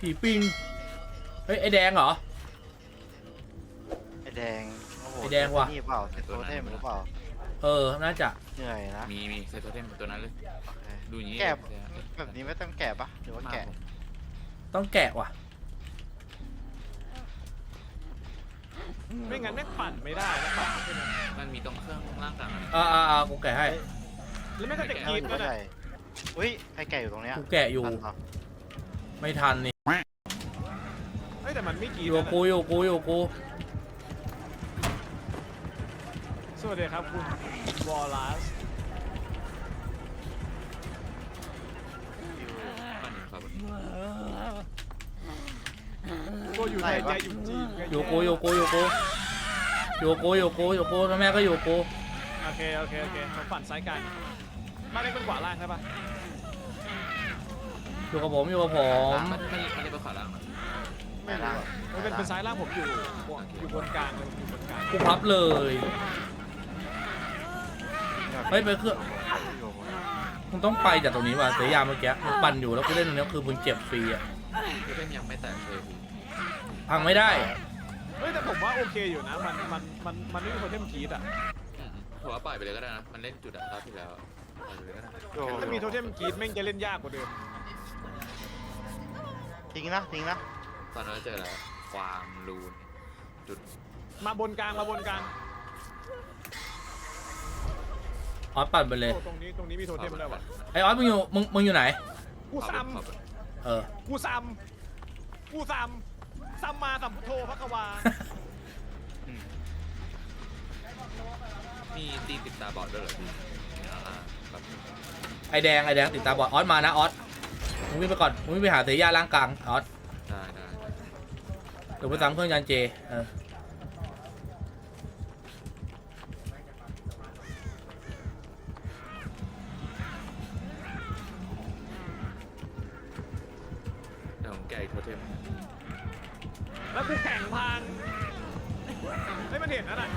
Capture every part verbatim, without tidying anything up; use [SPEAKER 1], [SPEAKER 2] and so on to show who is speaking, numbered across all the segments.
[SPEAKER 1] ผีปิงเฮ้ยไอแดงเหรอ
[SPEAKER 2] ไอแดงโอ้โห
[SPEAKER 1] ไอแดงว่ะ
[SPEAKER 2] นี่เปล่าเซตโตเทมหรือเปล่า
[SPEAKER 1] เออน่าจะ
[SPEAKER 2] เหนื่อยนะ
[SPEAKER 3] มีมีใส่ตัวเทมตัวนั้นเลย
[SPEAKER 2] โอเค
[SPEAKER 3] ดูอย่างนี้
[SPEAKER 2] แกะแบบนี้ไม่ต้องแกะปะหรือว่าแกะ
[SPEAKER 1] ต้องแกะว่ะ
[SPEAKER 4] ไม่งั้นแม่งปั่นไม่ได้นะปั่นไม่ได้
[SPEAKER 3] มันมีตรงเครื่องล่างกลางอะไร
[SPEAKER 1] อ่าอ่าอ่ากูแกะให้
[SPEAKER 4] แล้วแม่งก็จะ
[SPEAKER 2] แกะ
[SPEAKER 4] กิน
[SPEAKER 2] อยู่
[SPEAKER 4] ก็
[SPEAKER 2] ก็
[SPEAKER 4] ได้
[SPEAKER 2] ได้อุ้ยใครแกะอยู่ตรงเนี้ย
[SPEAKER 1] กูแกะอยู่
[SPEAKER 2] ทันปะ
[SPEAKER 1] ไม่ทันนี่
[SPEAKER 4] เฮ้ยแต่มันไม่กิน
[SPEAKER 1] อยู่กับกูอยู่กับกูอยู่กับกู
[SPEAKER 4] สวัสดีครับคุณวอลลัส
[SPEAKER 3] ปั้นครับ
[SPEAKER 4] โกอยู่ไทยใจอยู่จีน
[SPEAKER 1] อยู่กับกูอยู่กับกูอยู่กับกูอยู่กับกูอยู่กับกูอยู่กับกูแล้วแม่ก็อยู่กับกู
[SPEAKER 4] โอเคโอเคโอเคผมปั่นซ้ายกลางบ้านเล็กเป็นขวาล่างใช่ปะ
[SPEAKER 1] อยู่กับผมอยู่กับผม
[SPEAKER 3] มันมันมันเรียกว่าขาล่างนะ
[SPEAKER 2] ไม่ล่าง
[SPEAKER 4] มันเป็นเป็นซ้ายล่างผมอยู่อยู่บนกลางเลยอยู่บนกลาง
[SPEAKER 1] กูพับเลยเฮ้ยไปเครื่องมึงต้องไปจากตรงนี้ว่ะเสียยาเมื่อกี้มึงปั่นอยู่แล้วกูเล่นตรงนี้คือมึงเจ็บฟรีอ่ะ
[SPEAKER 3] ตัวเทมยังไม่แตกเลยพี่
[SPEAKER 1] พังไม่ได้
[SPEAKER 4] เฮ้ยแต่ผมว่าโอเคอยู่นะมันมันมันมันไม่มีคนเทมกีดอ่ะ
[SPEAKER 3] ผมว่าปล่อยไปเลยก็ได้นะมันเล่นจุดอะรอบที่แล้วปล่อยไปเลยก็ได้
[SPEAKER 4] ถ้ามีโทเทมกีดแม่งจะเล่นยากกว่าเดิม
[SPEAKER 2] ทิ้งนะทิ้งนะ
[SPEAKER 3] ตอนนั้นเจออะไรความรูนจุด
[SPEAKER 4] มาบนกลางมาบนกลาง
[SPEAKER 1] ออสปั่นไปเลย
[SPEAKER 4] โอ้ตรงนี้ตรงนี้มีโทเทมแล้ววะ
[SPEAKER 1] ไอออสมึงอยู่มึงมึงอยู่ไหน
[SPEAKER 4] กูซ้
[SPEAKER 1] เออ
[SPEAKER 4] ำกูซ้ำกูซ้ำซ้ำมาสัมพุทโธพระกวา
[SPEAKER 3] มีตีติดตาบอดด้วยเหรอพี่อ่าแบบ
[SPEAKER 1] ไอแดงไอแดงติดตาบอดออสมานะออสมึงวิ่งไปก่อนมึงวิ่งไปหาเสียยาล่างกลางออส
[SPEAKER 3] ได้ได้
[SPEAKER 1] เดี๋ยวไปซ้ำเครื่องยานเจเออ
[SPEAKER 3] เดี๋ยวผมแกะอีกโทเทม
[SPEAKER 4] แล้วกูแข่งพังให้มันเห็นนั่นน่ะ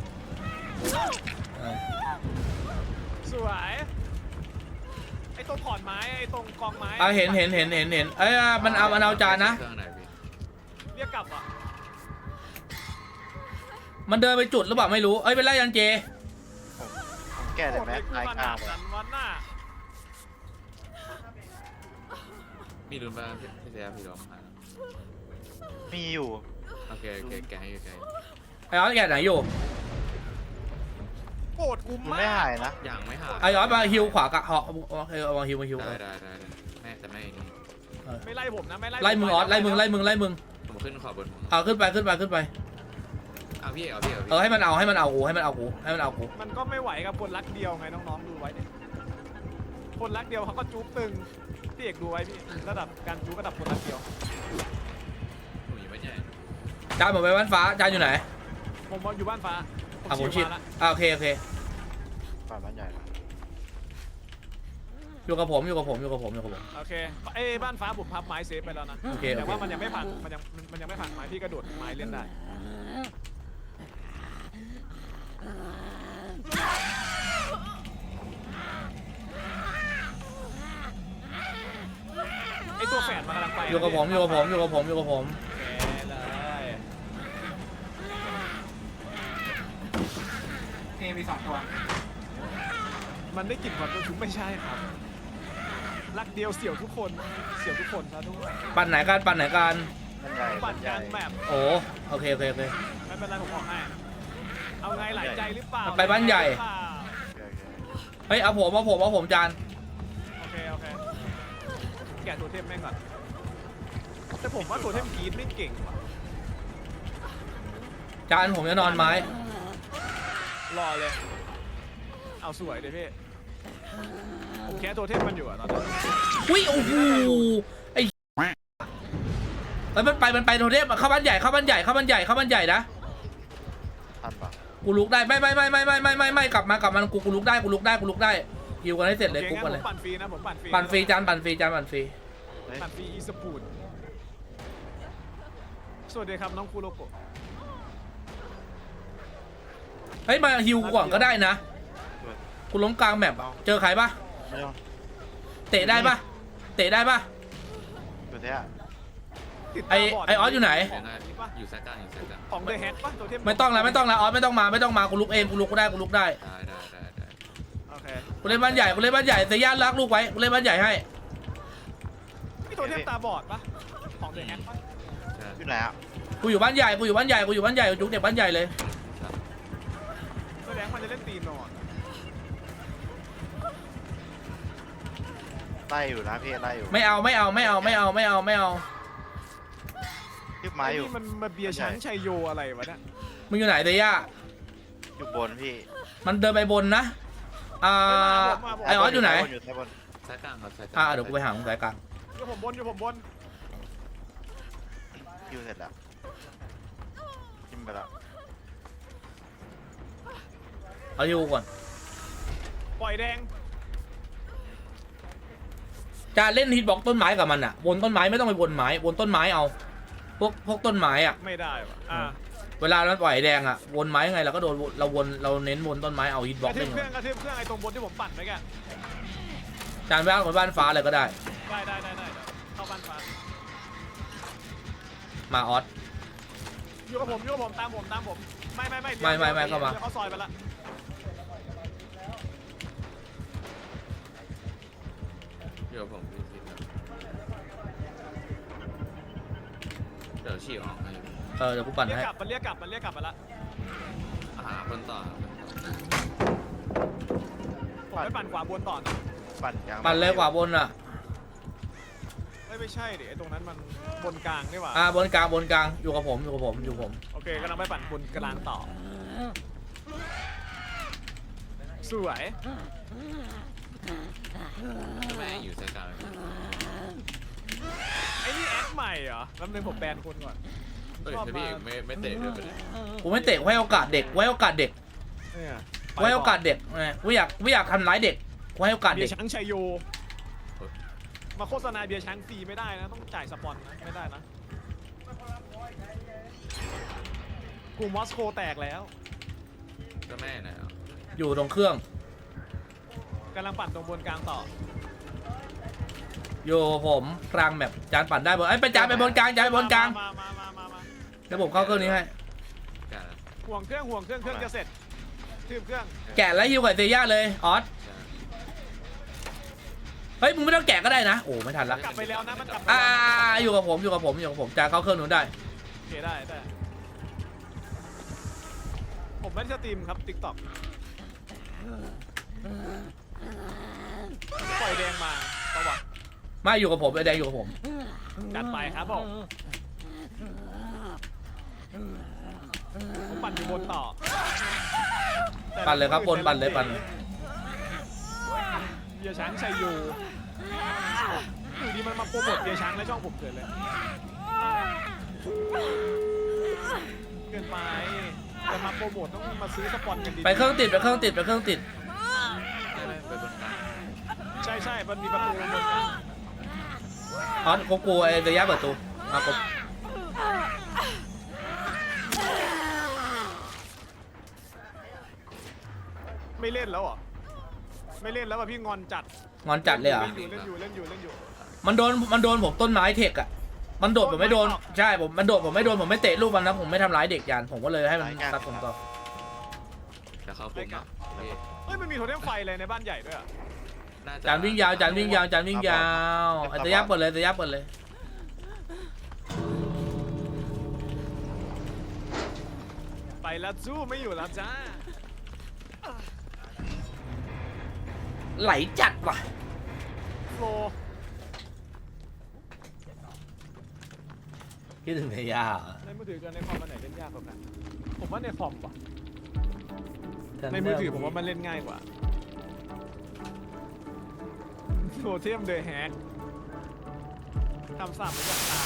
[SPEAKER 1] เออ
[SPEAKER 4] สวยไอ้ตรงขอนไม้ไอ้ตรงกองไม้
[SPEAKER 1] เอาเห็นเห็นเห็นเห็นเห็นเอ้ยมันเอามันเอาจานนะ
[SPEAKER 3] เครื่องไหนพี่
[SPEAKER 4] เรียกกลับอ่ะ
[SPEAKER 1] มันเดินไปจุดหรือเปล่าไม่รู้เอ้ยเป็นไรยันเจ
[SPEAKER 2] ผมแกะได้ไหม
[SPEAKER 4] โอ้
[SPEAKER 2] ลาย
[SPEAKER 4] ข
[SPEAKER 2] กลา
[SPEAKER 4] นาด
[SPEAKER 2] ง
[SPEAKER 4] นั้นวันน่ะ
[SPEAKER 3] มีรุนบ้างพี่พี่เสียพี่ร้องหา
[SPEAKER 2] มีอยู่
[SPEAKER 3] โอเคโอเคแกะให้แกะ
[SPEAKER 1] ไอออสแกไหนอยู่
[SPEAKER 4] โกรธกู
[SPEAKER 2] มัน
[SPEAKER 4] มา
[SPEAKER 2] ไม่หาย
[SPEAKER 4] ก
[SPEAKER 2] นะ
[SPEAKER 3] อย่างไม่หา
[SPEAKER 1] ไอออสมาฮิวขวากะเหาะโอเคเอามาฮิวมาฮิว
[SPEAKER 3] ได้ได้ได้แม่แต่ไม่นี่
[SPEAKER 4] ไม่ไล่ผมนะไม่ไล่
[SPEAKER 1] ไล่มึงออสไล่มึงไล่มึงไล่มึง
[SPEAKER 3] ผมขึ้นขอบนผม
[SPEAKER 1] เอาขึ้นไปขึ้นไปขึ้นไป
[SPEAKER 3] เอาพี่เอาพี่เอาพี่
[SPEAKER 1] เออให้มันเอาให้มันเอากูให้มันเอากูให้มันเอากู
[SPEAKER 4] มันก็ไม่ไหวกับคนรักเดียวไงน้องๆดูไว้ดิคนรักเดียวเขาก็จุ๊บตึงพี่เอกดูไว้พี่ระดับการจุ๊บระดับคนรักเดียว
[SPEAKER 3] หนูอยู่ไม่ใหญ่
[SPEAKER 1] จานหมดไปบ้านฟ้าจานอยู่ไหน
[SPEAKER 4] ผมอยู่บ้านฟ้า
[SPEAKER 1] อ่ะผมชิด
[SPEAKER 4] มาแล้ว
[SPEAKER 1] อ่ะโอเคโอเค
[SPEAKER 2] ฝ่ายบ้านใหญ่นะ
[SPEAKER 1] อยู่กับผมอยู่กับผมอยู่กับผมอยู่กับผม
[SPEAKER 4] โอเคเอ้ยบ้านฟ้าผมพับไม้เซฟไปแล้วนะ
[SPEAKER 1] โอเคโอ
[SPEAKER 4] แต่
[SPEAKER 1] เค
[SPEAKER 4] ว่ามันยังไม่พังมันยังมันยังไม่พังไม้พี่กระโดดไม้เล่นได้ไอตัวแฝดมันกำลังไป
[SPEAKER 1] อยู่กับผมอยู่กับผมอยู่กับผมอยู่กับผม
[SPEAKER 4] โอเคเลย
[SPEAKER 5] เอมีสองตัว
[SPEAKER 4] มันได้กลิ่นความตัวชุบไม่ใช่ครับรักเดียวเสี่ยวทุกคนเสี่ยวทุกคนซะทุกคน
[SPEAKER 1] ปั่นไหนกันปั่นไหนกัน
[SPEAKER 2] บ้านใหญ่
[SPEAKER 4] ปั่
[SPEAKER 2] บ้าน นให
[SPEAKER 4] ก
[SPEAKER 2] ญ่
[SPEAKER 4] ลางแบบ
[SPEAKER 1] โอ้โอเคโอเคโอเค
[SPEAKER 4] ไม่เป็นไรผมบอกให้เอาไงหลายใจหรือเปล่า
[SPEAKER 1] ไปบ้านใหญ่
[SPEAKER 2] โอเคโอเค
[SPEAKER 1] เฮ้ยเอาผมเอาผมเอาผมจาน
[SPEAKER 4] โอเคโอเคแกะตัวเทมแม่งก่อนแต่ผมว่าตัวเทมกรีดไม่เก่งว่ะ
[SPEAKER 1] จานผมจะนอนไม้
[SPEAKER 4] รอเลยเอาสวยเลยพี่ผมแค่ตัวเทมมันอยู่อะตอนนี้
[SPEAKER 1] อุ้ยโอ้โหไอ้เฮ้ยมันไปมันไปโทเทมเข้าบ้านใหญ่เข้าบ้านใหญ่เข้าบ้านใหญ่เข้าบ้านใหญ่นะ
[SPEAKER 2] ทันปะ
[SPEAKER 1] กูลุกได้ไม่ไม่ไม่ไม่ไม่ไม่ไม่ไม่กลับมากลับมากูกูลุกได้กูลุกได้กูลุกได้ฮิวกันให้เสร็จเลย
[SPEAKER 4] โอ
[SPEAKER 1] กู
[SPEAKER 4] เค
[SPEAKER 1] กัน
[SPEAKER 4] งั้น
[SPEAKER 1] เล
[SPEAKER 4] ผ
[SPEAKER 1] ย
[SPEAKER 4] มปั่นฟรีนะผมปั่นฟรี
[SPEAKER 1] ปั่นฟรีจานปั่นฟรีจานปั่นฟรี
[SPEAKER 2] เฮ้ย
[SPEAKER 4] ปั่นฟรีอีสปูดสวัสดีครับน้องคูโรโกะ
[SPEAKER 1] เฮ้ยมาฮิวก่อนก็ได้นะกูล้มกลางแมปอะเจอใครปะ
[SPEAKER 2] ไม่ต้อง
[SPEAKER 1] เตะได้ปะเตะได้ปะ
[SPEAKER 2] ตัวเนี้ย
[SPEAKER 4] ติด
[SPEAKER 1] ไอ้
[SPEAKER 4] ตาบด
[SPEAKER 1] ไอ้ออสอยู่ไหน
[SPEAKER 4] ของนี่ปะ
[SPEAKER 3] อยู่แซกกลางอยู่แซกกลาง
[SPEAKER 4] ของเดอะแฮกปะตัวเทพ
[SPEAKER 1] ไม่ต้องแล้วไม่ต้องแล้วออสไม่ต้องมาไม่ต้องมากูลุกเองกูลุกก็ได้กูลุกได้
[SPEAKER 3] ได้ได้ได้ได้
[SPEAKER 4] โอเค
[SPEAKER 1] กูเล่นบ้านใหญ่กูเล่นบ้านใหญ่เซย่ารักลูกไว้กูเล่นบ้านใหญ่ให้
[SPEAKER 4] นี่ตัวเทพตาบอดปะของเดอะแฮกปะ
[SPEAKER 3] ใช่
[SPEAKER 2] อยู่ไหนอ่ะ
[SPEAKER 1] กูอยู่บ้านใหญ่กูอยู่บ้านใหญ่กูอยู่บ้านใหญ่กูจุกเด็กบ้านใหญ่เลย
[SPEAKER 3] ใช่
[SPEAKER 4] แสดงมันจะเล่นตีมนอน
[SPEAKER 2] ไล่อยู่นะพี่ไล่อยู่
[SPEAKER 1] ไม่เอาไม่เอาไม่เอาไม่เอาไม่เอาไม่เอา
[SPEAKER 2] ยึดไม้อยู่
[SPEAKER 4] นี่มันมาเบียร์ช้างชัยโยอะไรวะเนี่ย
[SPEAKER 1] มึงอยู่ไหนเซย่า
[SPEAKER 2] อยู่บนพี่
[SPEAKER 1] มันเดินไปบนนะอ่าไอออสอยู่ไหน
[SPEAKER 2] อยู่ซ้ายบน
[SPEAKER 3] แซกกลางครับแซกกลาง
[SPEAKER 1] อ่าเดี๋ยวกูไปหามึงสายกลาง
[SPEAKER 4] อยู่ผมบนอยู่ผมบน
[SPEAKER 2] อยู่เสร็จแล้วจิ้มไปแล้ว
[SPEAKER 1] เอาอยู่ก่อน
[SPEAKER 4] ปล่อยแดง
[SPEAKER 1] จะเล่นฮิตบ็อกต้นไม้กับมันอ่ะวนต้นไม้ไม่ต้องไปวนไม้วนต้นไม้เอาพวกพวกต้นไม้อ่ะ
[SPEAKER 4] ไม่ได้วะอ่า
[SPEAKER 1] เวลาเราปล่อยแดงอ่ะวนไม้ยังไงเราก็โดนเราวนเราเน้นวนต้นไม้เอาฮิต
[SPEAKER 4] ก
[SPEAKER 1] บ็อก
[SPEAKER 4] ระทื
[SPEAKER 1] เล่
[SPEAKER 4] บ
[SPEAKER 1] น
[SPEAKER 4] เครื่องกระทืบเครื่องไอ้ตรงบนที่ผมปั่นไปแก
[SPEAKER 1] จานบ้านคนบ้านฟ้าเลยก็ได้
[SPEAKER 4] ได้ได้ได้ได้เข้าบ้านฟ้า
[SPEAKER 1] มาออส
[SPEAKER 4] อยู่กับผมอยู่กับผมตามผมตามผมไม่ไม่ไม่
[SPEAKER 1] ไม่ไม่ไม่เข้ามา
[SPEAKER 4] ดี๋ยวเขาซอยไปละ
[SPEAKER 3] เดี๋ยวผมพี่คิดนะเดี๋ยวฉีกออกให้
[SPEAKER 1] เออเดี๋ยวกูปั่น
[SPEAKER 4] เรียก
[SPEAKER 1] ให้
[SPEAKER 4] กลับมันเรียกกลับมันเรียกกลับมาละ
[SPEAKER 3] หาคนต่อหาคนต่อ
[SPEAKER 4] ผมไปปั่นขวาบนต่อนะ
[SPEAKER 2] ปั่นกลาง
[SPEAKER 1] ปั่นเลยกว่าบนอ่ะ
[SPEAKER 4] เอ้ยไม่ใช่ดิไอ้ตรงนั้นมันบนกลางนี่หว่า
[SPEAKER 1] อ่าบนกลางบนกลางอยู่กับผมอยู่กับผมอยู่กับผม
[SPEAKER 4] โอเคกำลังไปปั่นบนกลางต่อสวย
[SPEAKER 3] แม่งอยู่แซกกลาง
[SPEAKER 4] ไอ้นี่แอคใหม่เหรอแป๊บนึงผมแบนคนก่อน
[SPEAKER 3] เฮ้ยพี่ไม่ไม่เตะด้วยไปเลย
[SPEAKER 1] กูไม่เตะกูให้โอกาสเด็กไว้โอกาสเด็ก
[SPEAKER 4] เนี่ย
[SPEAKER 1] ไว้โอกาสเด็กไงกูอยากกูอยากทำร้ายเด็กกูให้โอกาส
[SPEAKER 4] เบี
[SPEAKER 1] เด็
[SPEAKER 4] ย
[SPEAKER 1] ก
[SPEAKER 4] ร์ช้างชัยโยมาโฆษณาเบียร์ช้างฟรีไม่ได้นะต้องจ่ายสปอนนะไม่ได้นะกูมอสโกแตกแล้ว
[SPEAKER 3] ก็แม่นะ
[SPEAKER 1] อยู่ตรงเครื่อง
[SPEAKER 4] กำลังปั่นตรงบนกลางต่อ
[SPEAKER 1] อยู่ผมกลางแบบจานปั่นได้บนไอ้ยไปจานไปบนกลางจานไปบนกลาง
[SPEAKER 4] มามามามามา
[SPEAKER 1] เดี๋ยวผมเข้าเครื่องนี้ให้
[SPEAKER 3] กลาง
[SPEAKER 4] ห่วงเครื่องห่วงเครื่องเครื่องจะเสร็จทืบเครื่อง
[SPEAKER 1] แกะแล้วฮิวกับเซย่าเลยออสเฮ้ยมึงไม่ต้องแกะก็ได้นะโอ้ไม่ทันละ
[SPEAKER 4] กลับไปแล้วนะมันกลับไป
[SPEAKER 1] อ่า
[SPEAKER 4] แล้ว
[SPEAKER 1] อยู่กับผมอยู่กับผมอยู่กับผมจานเข้าเครื่องนู้นได้
[SPEAKER 4] โอเคได้ได้ผมไม่ได้สตรีมครับติ๊กต็อกปล่อยแดงมาประวัติ
[SPEAKER 1] มาอยู่กับผมไอ้แดงอยู่กับผม
[SPEAKER 4] จัดไปครับผมผมปั่นอยู่บนต่อ
[SPEAKER 1] ปั่นเลยครับบนปั่นเลยปั่นเลย
[SPEAKER 4] เบียร์ช้างชัยโยอยู่ดีมันมาโปรโมทเบียร์ช้างและช่องผมเกิดเลยเกินไปจะมาโปรโมทต้องมาซื้อสปอนกันดี
[SPEAKER 1] ไปเครื่องติดไปเครื่องติดไปเครื่องติด
[SPEAKER 3] ไม่ไม่ไปบนกลาง
[SPEAKER 4] ใช่ใช่มันมีประตูบนกลาง
[SPEAKER 1] ออสกูกลัวไอ้เซย่าเปิดตูมากบ
[SPEAKER 4] ไม่เล่นแล้วเหรอไม่เล่นแล้วอ่ะพี่งอนจัด
[SPEAKER 1] งอนจัดเลยเหรอ่ะ
[SPEAKER 4] เล่นอยู่เล่นอยู่เล่นอยู่เล่นอยู่
[SPEAKER 1] มันโดนมันโดนผมต้นไม้เทคอ่ะมันโดดผมไม่โดนใช่ผมมันโดดผมไม่โดนผมไม่เตะลูกมันนะผมไม่ทำร้ายเด็กยานผมก็เลยให้มันซัดผมต่อ
[SPEAKER 3] จะเข้าปุ่มนะพี่
[SPEAKER 4] เฮ้ยมันมีโทเทมไฟเลยในบ้านใหญ่ด้วยอ่ะ
[SPEAKER 3] น่าจะ
[SPEAKER 1] จานวิ่งยาวจานวิ่งยาวจานวิ่งยาวไอ้เซย่าเปิดเลยเซย่าเปิดเลย
[SPEAKER 4] ไปแล้วจู้ไม่อยู่แล้วจ้า
[SPEAKER 1] ไหลจัดว่ะ
[SPEAKER 4] โฟล
[SPEAKER 1] คิดถึงเซย่า
[SPEAKER 4] ในมือถือกับในคอมมันไหนเล่นยากกว่ากันผมว่าในคอมว่ะในมือถือผมว่ามันเล่นง่ายกว่าโทเทมเดอะแฮกทำสามเหมือนอย่างตา